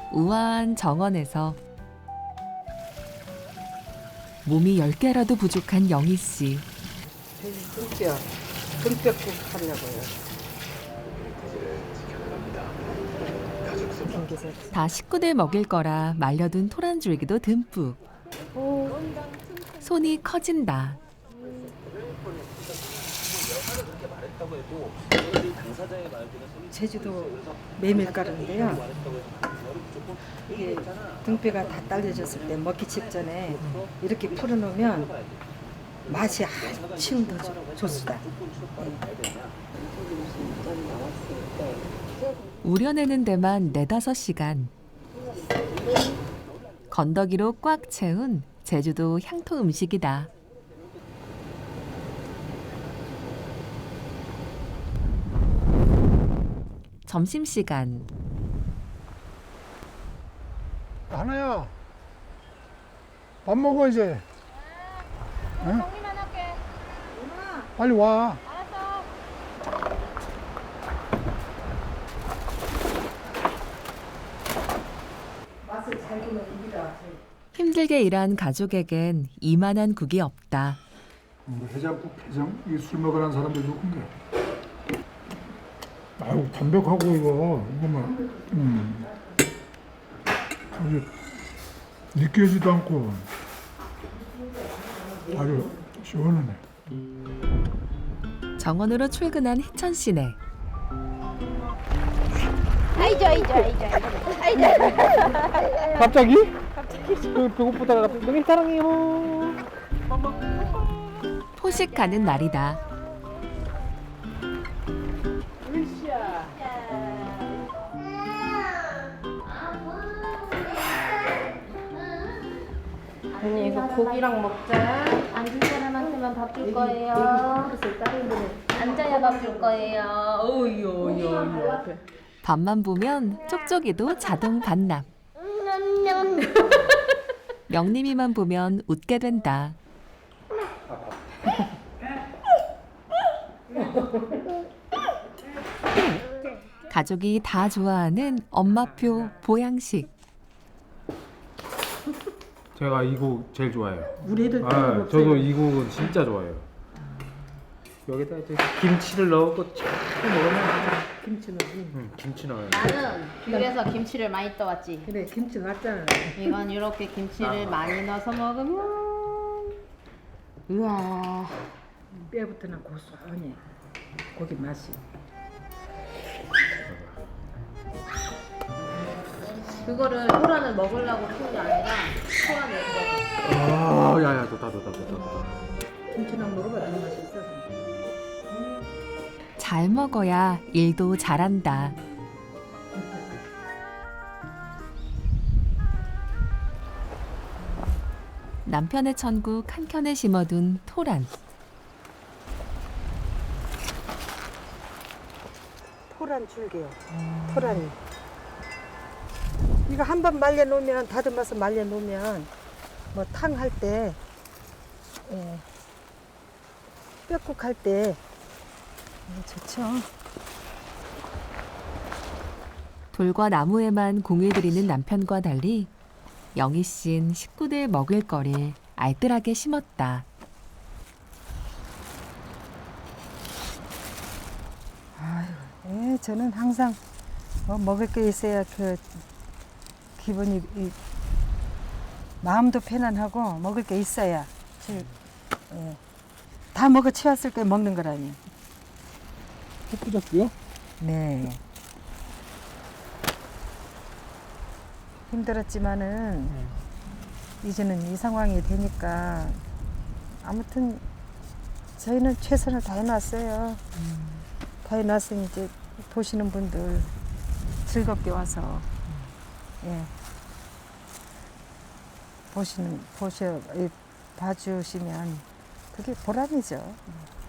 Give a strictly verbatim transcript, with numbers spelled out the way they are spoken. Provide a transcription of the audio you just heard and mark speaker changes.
Speaker 1: 우아한 정원에서 몸이 열 개라도 부족한 영희 씨.
Speaker 2: 등뼈, 등뼈국 하려고요.
Speaker 1: 다 식구들 먹일 거라 말려둔 토란줄기도 듬뿍. 손이 커진다.
Speaker 2: 제주도 메밀가루인데요. 이게 등뼈가 다 딸려졌을 때 먹기 직전에 이렇게 풀어놓으면 맛이 한층 더 좋- 좋습니다.
Speaker 1: 우려내는 데만 네다섯 시간. 건더기로 꽉 채운 제주도 향토 음식이다. 점심시간.
Speaker 3: 하나야, 밥 먹어 이제. 응?
Speaker 4: 정리만 할게.
Speaker 3: 빨리 와.
Speaker 4: 알았어.
Speaker 2: 맛을 잘 보면 입니다.
Speaker 1: 힘들게 일한 가족에겐 이만한 국이 없다.
Speaker 3: 뭐 해장국, 해장 이 술 먹으라는 사람들 누군데? 아유 담백하고 이거 이거만, 음, 아주 느끼지도 않고 아주 시원하네.
Speaker 1: 정원으로 출근한 희천 씨네.
Speaker 4: 아이죠, 아이죠, 아이죠, 아이죠.
Speaker 5: 갑자기? 갑자기 배고프다가 너무 사랑해요.
Speaker 1: 포식하는 날이다.
Speaker 4: 언니 이거 고기랑 먹자. 앉은 사람한테만 밥 줄 거예요. 앉아야 밥 줄 거예요. 오요요요.
Speaker 1: 밥만 보면 쪽쪽이도 자동 반납. 명림이만 보면 웃게 된다. 가족이 다 좋아하는 엄마표 보양식.
Speaker 5: 제가 이 곡 제일 좋아해요.
Speaker 2: 우리 애들
Speaker 5: 아, 저도 이 곡은 진짜 좋아해요. 여기다 이제 김치를 넣고 쫙 먹으면
Speaker 2: 김치는
Speaker 5: 음, 김치 넣어요.
Speaker 4: 나는 귤에서 김치를 많이 떠왔지.
Speaker 2: 그래 김치 맞잖아.
Speaker 4: 이건 이렇게 김치를 많이 넣어서 먹으면 우와.
Speaker 2: 뼈부터는 고소하니 고기 맛이.
Speaker 4: 그거를 토란을 먹으려고 키운 게 아니라 토란을 먹어.
Speaker 5: 아, 야야 좋다 좋다 좋다 좋다.
Speaker 2: 김치랑 먹어봐 너무 맛있어.
Speaker 1: 잘 먹어야 일도 잘한다. 남편의 천국 한켠에 심어둔 토란.
Speaker 2: 토란 줄기요. 토란이. 이거 한 번 말려 놓으면 다듬어서 말려 놓으면 뭐 탕 할 때, 예, 뼈국 할 때 좋죠.
Speaker 1: 돌과 나무에만 공을 들이는 남편과 달리 영희 씨는 식구들 먹을 거를 알뜰하게 심었다.
Speaker 2: 예, 저는 항상 뭐 먹을 게 있어야 그 기분이 이, 마음도 편안하고 먹을 게 있어야 제, 예, 다 먹어 치웠을 때 먹는 거라니.
Speaker 3: 햇부작고요?
Speaker 2: 네. 힘들었지만은 이제는 이 상황이 되니까 아무튼 저희는 최선을 다해놨어요. 다 해놨으니 이제 보시는 분들 즐겁게 와서 예 보시는 보셔 예, 봐주시면 그게 보람이죠.